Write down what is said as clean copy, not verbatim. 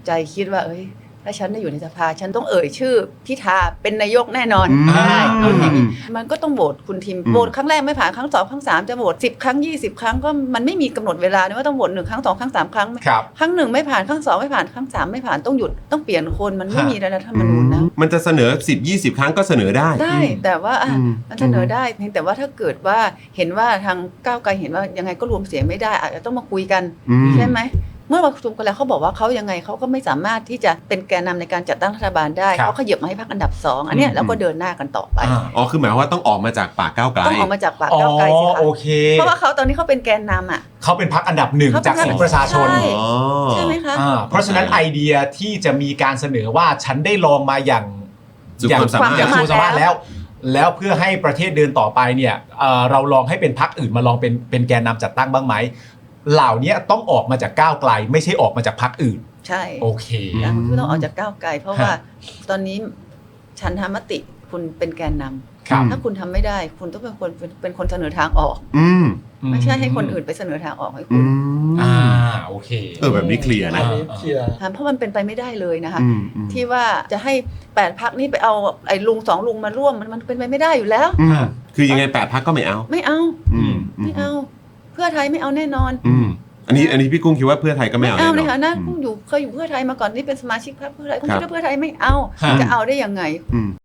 ใจคิดว่าถ้าฉันได้อยู่ในสภาฉันต้องเอ่ยชื่อพิธาเป็นนายกแน่นอนได้มันก็ต้องโหวตคุณทิมโหวตครั้งแรกไม่ผ่านครั้ง2ครั้ง3จะโหวต10 ครั้ง20 ครั้งก็มันไม่มีกำหนดเวลานะว่าต้องโหวต1 ครั้ง2 ครั้ง3 ครั้งครั้ง1ไม่ผ่านครั้ง2ไม่ผ่านครั้ง3ไม่ผ่านต้องหยุดต้องเปลี่ยนคนมันไม่มีรัฐธรรมนูญนะมันจะเสนอ10-20 ครั้งก็เสนอได้แต่ว่ามันเสนอได้เพียงแต่ว่าถ้าเกิดว่าเห็นว่าทางก้าวไกลเห็นว่ายังไงก็รวมเสียงไม่ได้อาจจะต้องมาคุยกันใช่ไหมเมื่อประชุมกันแล้วเขาบอกว่าเขายังไงเขาก็ไม่สามารถที่จะเป็นแกนนำในการจัดตั้งรัฐบาลได้เขาขยับมาให้พรรคอันดับ2อันเนี้ยแล้วก็เดินหน้ากันต่อไปคือหมายว่าต้องออกมาจากปากก้าวไกลต้องออกมาจากปากก้าวไกลสิคะเพราะว่าเขาตอนนี้เขาเป็นแกนนำเขาเป็นพรรคอันดับ1จากเสียงประชาชนใช่ไหมคะเพราะฉะนั้นไอเดียที่จะมีการเสนอว่าฉันได้ลองมาอย่างสุดความสามารถแล้วเพื่อให้ประเทศเดินต่อไปเนี่ยเราลองให้เป็นพรรคอื่นมาลองเป็นแกนนำจัดตั้งบ้างไหมเหล่านี้ต้องออกมาจากก้าวไกลไม่ใช่ออกมาจากพรรคอื่นใช่โอเคคุณต้องออกจากก้าวไกลเพราะว่าตอนนี้ฉันทำมติคุณเป็นแกนนำถ้าคุณทำไม่ได้คุณต้องเป็นคนเสนอทางออกไม่ใช่ให้คนอื่นไปเสนอทางออกให้คุณโอเคแบบนี้เคลียร์นะเพราะมันเป็นไปไม่ได้เลยนะคะที่ว่าจะให้8 พรรคนี้ไปเอาไอ้ลุง2 ลุงมาร่วมมันเป็นไปไม่ได้อยู่แล้วคือยังไง8 พรรคก็ไม่เอาไม่เอาเพื่อไทยไม่เอาแน่นอนอันนี้พี่กุ้งคิดว่าเพื่อไทยก็ไม่เอาเลยค่ะนะกุ้งเคยอยู่เพื่อไทยมาก่อนนี่เป็นสมาชิกพรรคเพื่อไทยกุ้งคิดว่าเพื่อไทยไม่เอาจะเอาได้ยังไง